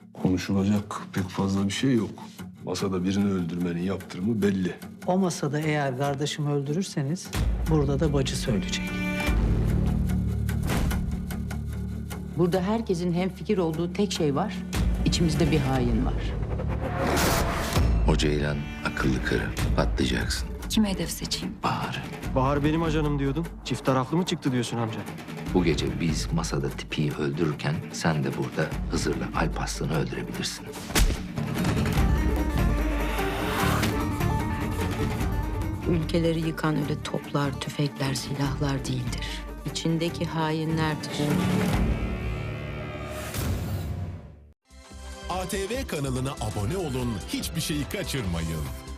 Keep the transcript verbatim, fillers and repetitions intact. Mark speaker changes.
Speaker 1: Konuşulacak pek fazla bir şey yok. Masada birini öldürmenin yaptırımı belli.
Speaker 2: O masada eğer kardeşimi öldürürseniz burada da bacı söyleyecek.
Speaker 3: Burada herkesin hemfikir olduğu tek şey var. İçimizde bir hain var.
Speaker 4: O Ceylan akıllı karı. Patlayacaksın.
Speaker 5: Kime hedef seçeyim?
Speaker 4: Bahar.
Speaker 6: Bahar benim ajanım diyordun. Çift taraflı mı çıktı diyorsun amca?
Speaker 4: Bu gece biz masada tipiyi öldürürken sen de burada Hızır'la Alparslan'ı öldürebilirsin.
Speaker 5: Ülkeleri yıkan öyle toplar, tüfekler, silahlar değildir. İçindeki hainlerdir.
Speaker 7: A T V kanalına abone olun, hiçbir şeyi kaçırmayın.